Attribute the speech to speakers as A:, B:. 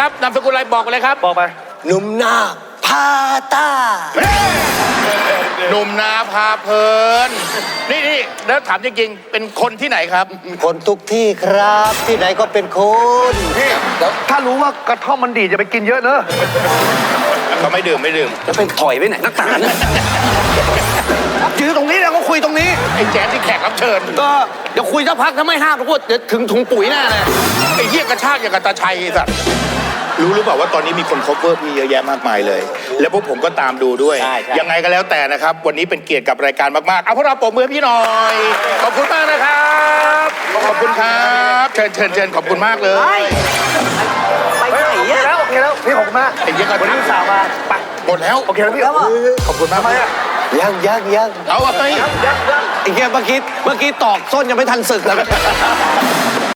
A: ครับนามสกุลอะไรบอกไปเลยครับ
B: บอกไป
C: หนุ่มนาพาตา
A: หนุ่มนาพาเพลินนี่แล้วถามจริงๆเป็นคนที่ไหนครับ
C: คนทุกที่ครับที่ไหนก็เป็นคน
B: พี่ถ้ารู้ว่ากระท่อมมันดีจะไปกินเยอะเนอะ
A: เขาไม่ดื่ม
C: แล้วเป็นถอยไปไหนนักตาเนี่ย
B: ยืนตรงนี้แล้วก็คุยตรงนี้
A: ไอ้แจ๊ดที่แขกรับเชิญ
C: ก็เดี๋ยวคุยสักพักถ้าไม่ห้ามทุกคนเดี๋ยวถึงถุงปุ๋ยแน่เลย
A: ไอ้เหี้ยกระชากอย่างกับตาชัยสัตว์รู้หรือเปล่าว่าตอนนี้มีคนcoverพี่เยอะแยะมากมายเลยแล้วพวกผมก็ตามดูด้วยยังไงก็แล้วแต่นะครับวันนี้เป็นเกียรติกับรายการมากๆเอาพวกเราปรบมือพี่หน่อยขอบคุณมากนะครับขอบคุณครับเชิญขอบคุณมากเลย
C: ไปไหนอ่ะ
B: โอเคแล้วพี่ขอบคุณมาก
A: ไอ้เหี้ยกระชาก
B: สาวมาไป
A: หมดแล้ว
B: โอเคแล้วพี่
A: ขอบคุณมาก
C: ยัง
A: เอาไป
C: ไอ้แกเมื่อกี้ตอกส้นยังไม่ทันสึกเลย